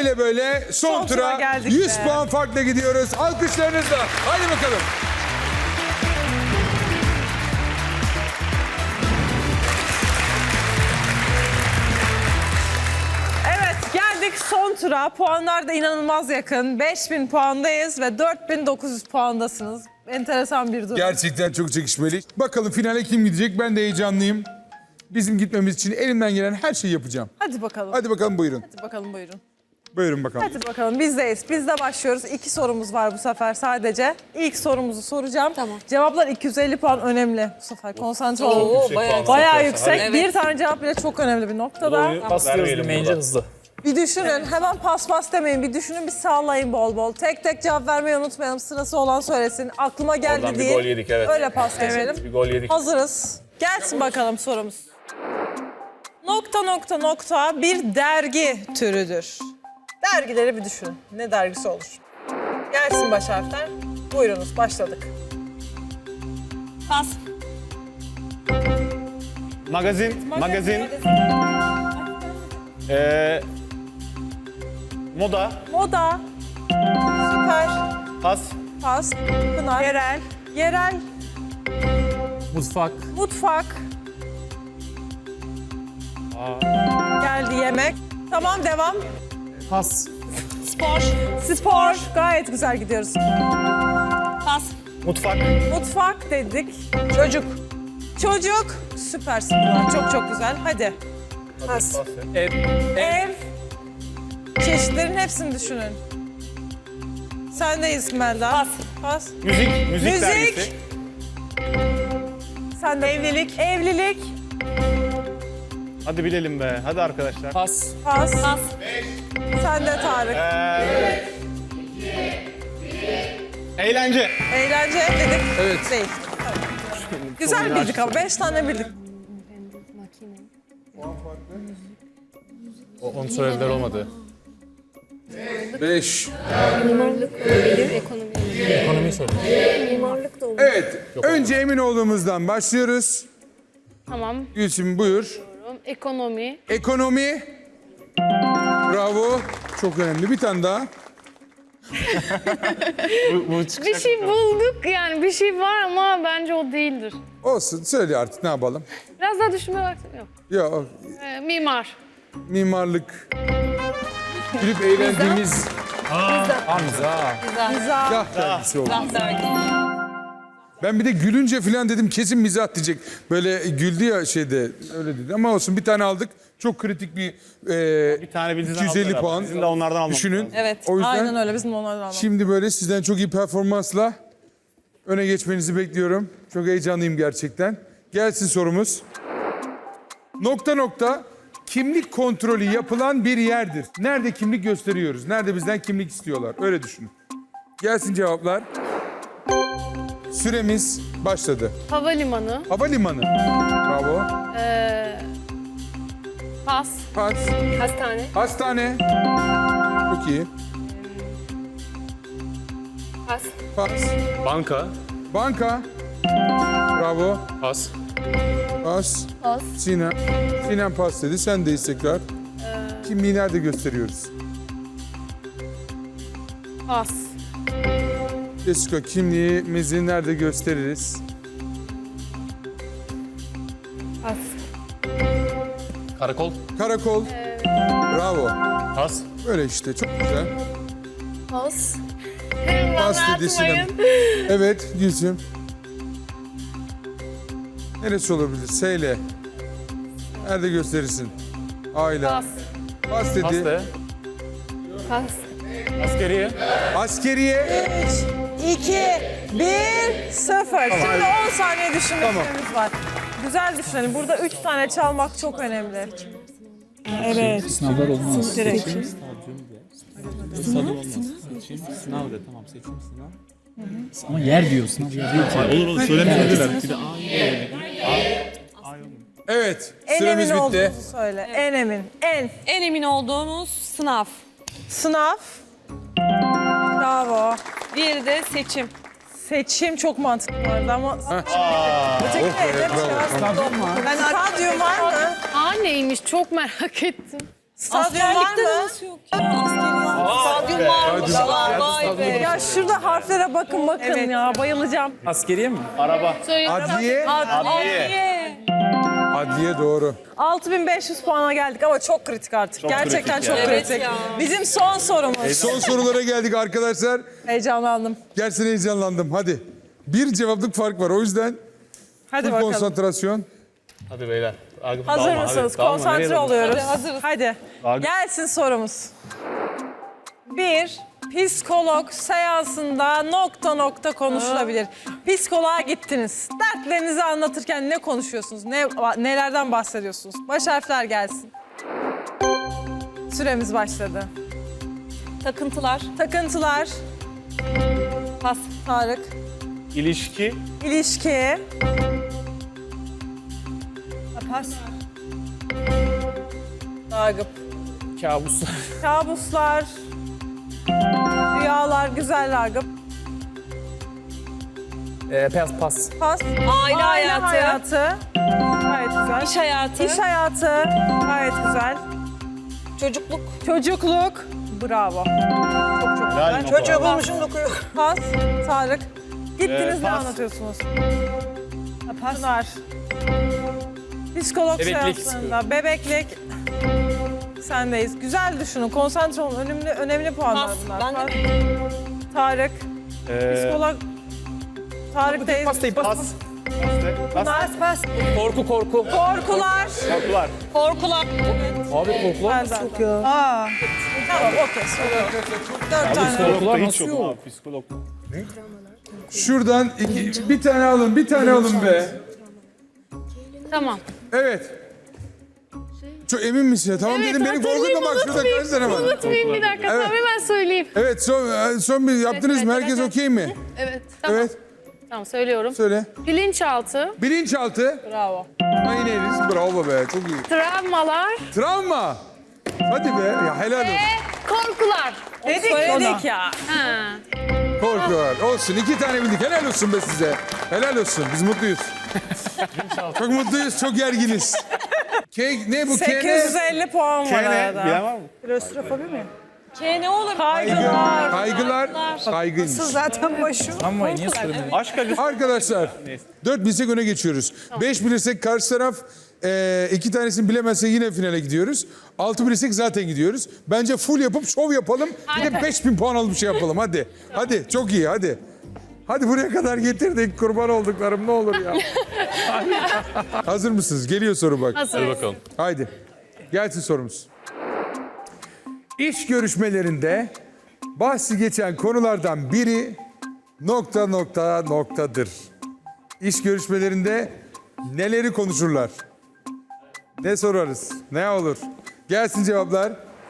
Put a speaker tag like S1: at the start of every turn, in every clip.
S1: böyle son tura
S2: geldik
S1: 100
S2: be.
S1: puan farkla gidiyoruz. Alkışlarınızla. Hadi bakalım.
S2: Evet, geldik son tura. Puanlar da inanılmaz yakın. 5000 puandayız ve 4900 puandasınız. Enteresan bir durum.
S1: Gerçekten çok çekişmeli. Bakalım finale kim gidecek? Ben de heyecanlıyım. Bizim gitmemiz için elimden gelen her şeyi yapacağım.
S2: Hadi bakalım.
S1: Hadi bakalım buyurun.
S2: Hadi bakalım, buyurun.
S1: Buyurun bakalım.
S2: Hadi bakalım, bizdeyiz. Biz de başlıyoruz. 2 sorumuz var bu sefer sadece. İlk sorumuzu soracağım.
S3: Tamam.
S2: Cevaplar 250 puan önemli bu sefer. Konsantre olun.
S3: Oo,
S2: Bayağı yüksek.
S3: Evet.
S2: Bir tane cevap bile çok önemli bir noktada.
S4: Paslıyoruz demeyince hızlı.
S2: Bir düşünün. Hemen pas demeyin. Bir düşünün, bir sallayın bol bol. Tek tek cevap vermeyi unutmayalım. Sırası olan söylesin. Aklıma geldi
S4: Oradan bir
S2: değil.
S4: gol yedik, evet.
S2: Öyle pas geçelim.
S4: Bir gol yedik.
S2: Hazırız. Gelsin bakalım sorumuz. Nokta bir dergi türüdür. Dergileri bir düşünün. Ne dergisi olur? Gelsin baş harfler. Buyurunuz, başladık.
S3: Pas.
S4: Magazin. Moda.
S2: Moda. Süper.
S4: Pas.
S2: Pas. Pınar. Yerel.
S5: Mutfak.
S2: Mutfak. Geldi yemek. Tamam, devam.
S5: Pas.
S2: Spor. Gayet güzel gidiyoruz.
S3: Pas.
S4: Mutfak.
S2: Mutfak dedik. Çocuk. Süpersin Pınar. Çok güzel. Hadi. Pas. Ev. Çeşitlerin hepsini düşünün. Sendeyiz Melda. Pas.
S4: Müzik dergisi.
S2: Sen de. Evlilik.
S4: Hadi bilelim be. Hadi arkadaşlar.
S5: Pas.
S2: Pas. Sen de Tarık.
S4: Eğlence.
S2: Eğlence dedik.
S1: Evet.
S2: Değil. Güzel bildik ama 5 tane bildik.
S5: Onun söylediler olmadı.
S1: 5.
S6: Mimarlık olabilir, ekonomi olabilir.
S5: Ekonomiyi söyle.
S6: Mimarlık da olabilir.
S1: Evet. Önce emin olduğumuzdan başlıyoruz.
S6: Tamam.
S1: Gülsüm buyur.
S6: Ekonomi.
S1: Ekonomi. Bravo. Çok önemli. Bir tane daha.
S6: Bir şey bulduk yani bir şey var ama bence o değildir.
S1: Olsun. Söyle artık ne yapalım.
S6: Biraz daha düşünme vaktim yok.
S1: Yok.
S6: Mimar.
S1: Mimarlık. Gülüp eğlendiğimiz
S5: Hamza.
S1: mizah dergisi oldu.
S3: Dergi.
S1: Ben bir de gülünce falan dedim kesin mizah diyecek. Böyle güldü ya şeyde öyle dedi ama olsun bir tane aldık. Çok kritik bir
S4: Bir tane bizden
S1: 250
S4: aldılar.
S1: puan.
S4: Bizim de onlardan almamız
S1: Düşünün.
S4: lazım.
S2: Evet.
S1: O yüzden
S2: Aynen öyle. Bizim de onlardan alalım.
S1: şimdi böyle sizden çok iyi performansla öne geçmenizi bekliyorum. Çok heyecanlıyım gerçekten. Gelsin sorumuz. Kimlik kontrolü yapılan bir yerdir. Nerede kimlik gösteriyoruz? Nerede bizden kimlik istiyorlar? Öyle düşünün. Gelsin cevaplar. Süremiz başladı.
S6: Havalimanı.
S1: Havalimanı. Bravo.
S6: Pas.
S1: Pas.
S6: Hastane.
S1: Hastane. Çok iyi.
S6: Pas.
S1: Pas.
S4: Banka.
S1: Banka. Bravo.
S4: Pas.
S1: Pas.
S6: Pas.
S1: Sinem. Sinem pas dedi. Sendeyiz tekrar. Kimliği nerede gösteriyoruz?
S6: Pas.
S1: Jessica kimliğimizi nerede gösteririz?
S6: Pas.
S5: Karakol.
S1: Karakol. Bravo.
S4: Pas.
S1: Böyle işte çok güzel.
S6: Pas.
S1: Pas dedi Sinem. Evet Gülsüm. Neresi olabilir? S ile. Nerede gösterirsin? A ile.
S6: Pas.
S1: Pas dedi.
S4: Pas de.
S6: Pas.
S4: Askeriye.
S1: Askeriye.
S2: 2, 1, 0. Şimdi 10 saniye düşünme süremiz var. Güzel düşünelim. Burada 3 tane çalmak çok önemli. Evet.
S5: Sınavlar olmaz.
S2: Direkt.
S5: Sınav de tamam seçim sınav. Ama yer diyor sınav yer diyor.
S4: Olur söylemediler.
S1: Evet.
S2: En
S1: Süremiz
S2: emin
S1: bitti.
S2: olduğunuzu söyle. En emin.
S3: En emin olduğumuz sınav.
S2: Sınav. Bravo.
S3: Bir de seçim.
S2: Seçim çok mantıklı bu arada ama... Öteki
S1: Oh be,
S2: neydi?
S1: bravo.
S2: Stadyum var mı?
S6: Neymiş çok merak ettim.
S2: Stadyum var mı?
S3: Nasıl yok ya? Askeriye. Aklım varmış.
S1: Hadi.
S3: Vay be.
S2: Ya şurada harflere bakın ya. Bayılacağım.
S5: Askeriye mi?
S4: Araba.
S1: Adliye.
S3: Adliye.
S1: Adliye doğru.
S2: 6500 puana geldik ama çok kritik artık. Gerçekten
S4: kritik
S2: çok
S4: ya.
S3: Evet
S2: kritik.
S3: ya.
S2: Bizim son sorumuz.
S1: Son sorulara geldik arkadaşlar.
S2: Heyecanlandım.
S1: Gerçekten heyecanlandım. Hadi. Bir cevaplık fark var. O yüzden
S2: Hadi
S1: full
S2: bakalım.
S1: konsantrasyon.
S4: Hadi beyler.
S2: Hazır
S4: Dalma,
S2: mısınız?
S4: hadi. Dalma, nereye
S2: Konsantre
S4: dalma?
S2: oluyoruz.
S3: Hadi, hazırız.
S2: Hadi.
S4: Dalga-
S2: Gelsin sorumuz. Bir psikolog seansında nokta konuşulabilir. Psikoloğa gittiniz. Dertlerinizi anlatırken ne konuşuyorsunuz? Nelerden bahsediyorsunuz? Baş harfler gelsin. Süremiz başladı.
S3: Takıntılar.
S2: Takıntılar,
S3: Pas.
S2: Tarık.
S4: İlişki.
S2: İlişki,
S3: Pas.
S2: Ragıp.
S5: Kabuslar.
S2: Kabuslar, rüyalar, güzel Ragıp.
S5: Pas.
S2: Pas.
S3: Aile hayatı.
S2: Gayet güzel.
S3: İş hayatı.
S2: İş hayatı. Gayet güzel.
S3: Çocukluk.
S2: Çocukluk. Bravo. Çok
S4: Helal
S2: güzel.
S4: Noko.
S2: Çocuğu bulmuşum dokuyor. Pas. Tarık. Gittiniz ne
S4: pas.
S2: anlatıyorsunuz? Pınar. Psikolog
S5: Bebeklik.
S2: seanslarında. Bebeklik. Sendeyiz. Güzel düşünün. Konsantre olun. Önemli puanlar
S3: Pas.
S2: bunlar.
S3: Ben de
S2: Pas. Tarık. Psikolog. Tarık'tayız.
S5: Pas değil. Pas.
S2: Pas.
S5: Korku.
S2: Korkular.
S4: Korkular.
S3: korkular.
S5: Abi korkular nasıl yok ya?
S2: Tamam, okey. Dört tane.
S5: Korkular
S4: Hiç
S5: nasıl
S4: yok
S5: yok?
S4: abi psikolog.
S1: Şuradan bir tane alın. Bir tane alın be.
S6: Tamam.
S1: Evet. Çok emin misin ya? Tamam dedim beni korkutma bak şurada kaç tane var.
S6: Unutmayayım bir dakika.
S1: Evet.
S6: Tamam hemen söyleyeyim.
S1: Evet son bir yaptınız mı?
S6: evet,
S1: Herkes
S6: evet.
S1: okey mi?
S6: Evet. Tamam.
S1: Evet.
S6: Tamam söylüyorum.
S1: Söyle.
S6: Bilinçaltı,
S1: Bilinçaltı.
S2: Bravo.
S1: Aynı eriz. Bravo be. Çok iyi.
S6: travmalar
S1: Travma. Hadi be. Ya helal olsun.
S6: ve korkular.
S2: Söyledik ya.
S6: Ha.
S1: Korkuyorlar. Olsun. 2 tane bildik. Helal olsun be size. Helal olsun. Biz mutluyuz. Çok mutluyuz. Çok gerginiz. Ne bu?
S2: 850 puan var
S4: Kene.
S2: arada.
S4: Bilen var mı?
S2: Klostrofobi mi?
S3: K ne olur?
S2: Kaygılar.
S1: Kaygılar. Kaygıymış.
S2: Zaten başı.
S5: Ama niye söylemedin?
S4: Aşk acısı.
S1: Arkadaşlar 4 bilsek öne geçiyoruz. 5 bilirsek karşı taraf 2 tanesini bilemezse yine finale gidiyoruz. 6 bilirsek zaten gidiyoruz. Bence full yapıp şov yapalım. Bir de 5000 puan alıp bir şey yapalım hadi. Hadi çok iyi hadi. Hadi buraya kadar getirdik kurban olduklarım ne olur ya. Hazır mısınız? Geliyor soru bak.
S6: Hazır.
S4: Bakalım.
S1: Haydi. Gelsin sorumuz. İş görüşmelerinde bahsi geçen konulardan biri noktadır. İş görüşmelerinde neleri konuşurlar? Ne sorarız? Ne olur? Gelsin cevaplar.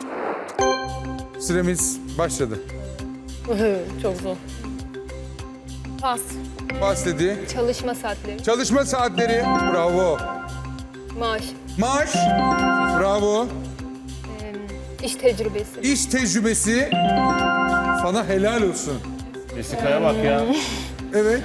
S1: Süremiz başladı.
S6: Çok zor. Pas.
S1: Pas dedi.
S7: Çalışma saatleri,
S1: Çalışma saatleri. Bravo.
S7: maaş,
S1: Maaş. Bravo.
S7: iş tecrübesi,
S1: İş tecrübesi. Sana helal olsun.
S4: Jessica'ya bak ya.
S1: Evet.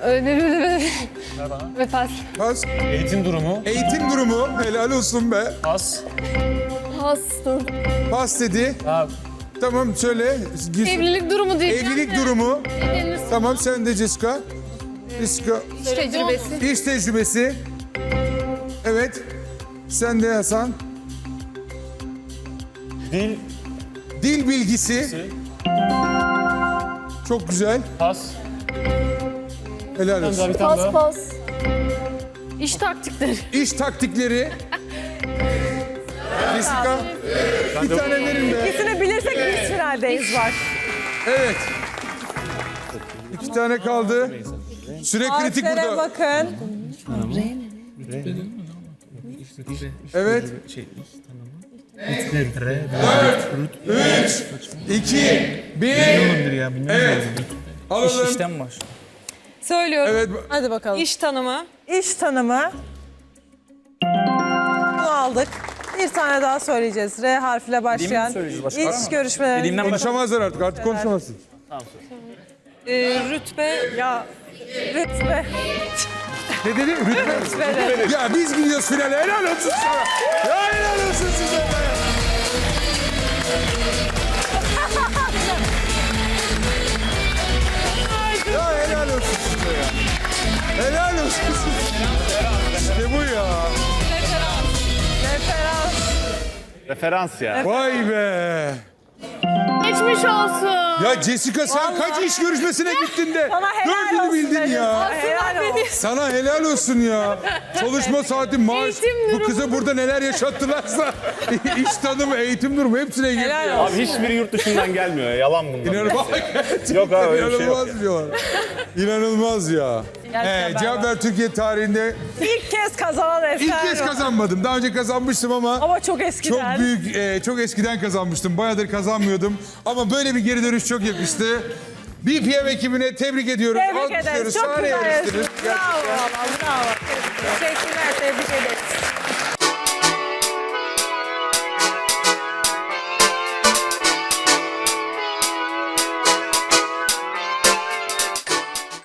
S6: Ve pas.
S1: Pas.
S4: Eğitim durumu.
S1: Eğitim durumu. Helal olsun be.
S5: Pas.
S7: pas,
S1: Pas dedi.
S5: Ha,
S1: Tamam söyle.
S6: Evlilik durumu diyeceğim.
S1: Evlilik durumu.
S6: Evlenirsin.
S1: Tamam sen de Jessica. Jessica.
S7: iş tecrübesi,
S1: İş tecrübesi. Evet. Sen de Hasan.
S4: Dil.
S1: Dil bilgisi. Çok güzel.
S4: Pas.
S1: Helal olsun.
S4: Bir tane daha.
S7: pas,
S6: İş taktikleri.
S1: İş taktikleri. Jessica. Bir tane verin be.
S2: İkisini bilirsek biz finaldeyiz bak.
S1: Evet. 2 tane kaldı. Süre kritik
S2: Harflere
S1: burada.
S2: bakın.
S1: Evet. 2, 1. Evet. Alalım.
S5: işten baş.
S3: Söylüyorum.
S1: Evet.
S2: Hadi bakalım.
S3: İş tanımı.
S2: İş tanımı. Bunu aldık. Bir tane daha söyleyeceğiz. R harfiyle başlayan.
S5: söyleyeceğiz? Başka var
S2: İş
S5: mı?
S2: görüşmeleri.
S5: Dediğimden başka.
S1: Konuşamazlar artık. Artık konuşamazsın.
S3: Rütbe.
S2: Ya rütbe.
S1: Ne dedi? Rütbe. Ya biz gidiyoruz finale. Helal olsun sana. Ya helal olsun size be.
S4: Referans ya.
S1: Vay be.
S6: Geçmiş olsun.
S1: Ya Jessica sen kaç iş görüşmesine gittin de
S2: Sana helal
S1: dördünü
S2: olsun
S1: bildin
S2: dedim.
S1: ya.
S2: Helal olsun.
S1: Sana helal olsun ya. Çalışma saati, maaş.
S6: Eğitim
S1: Bu
S6: durumu.
S1: kıza burada neler yaşattılarsa iş tanımı, eğitim durumu hepsine girdi
S2: Helal
S1: ya.
S2: olsun.
S4: Abi hiçbiri yurt dışından gelmiyor ya. Yalan bunlar.
S1: İnanılmaz.
S4: Yok abi öyle bir şey yok.
S1: İnanılmaz diyorlar. İnanılmaz ya.
S2: Gerçekten
S1: Cevap ver Türkiye tarihinde
S2: İlk kez kazanan Eser.
S1: ilk kez kazanmadım. Daha önce kazanmıştım ama
S2: Çok eskiden.
S1: çok büyük, çok eskiden kazanmıştım. Bayağıdır kazanmıyordum. Ama böyle bir geri dönüş çok yakıştı. BPM ekibine tebrik ediyoruz.
S2: Tebrik ederiz.
S1: Alkışlıyoruz.
S2: Çok
S1: Sahneye
S2: güzel
S1: yarıştınız.
S2: yarıştınız. Bravo valla bravo. Teşekkürler. Tebrik ederiz.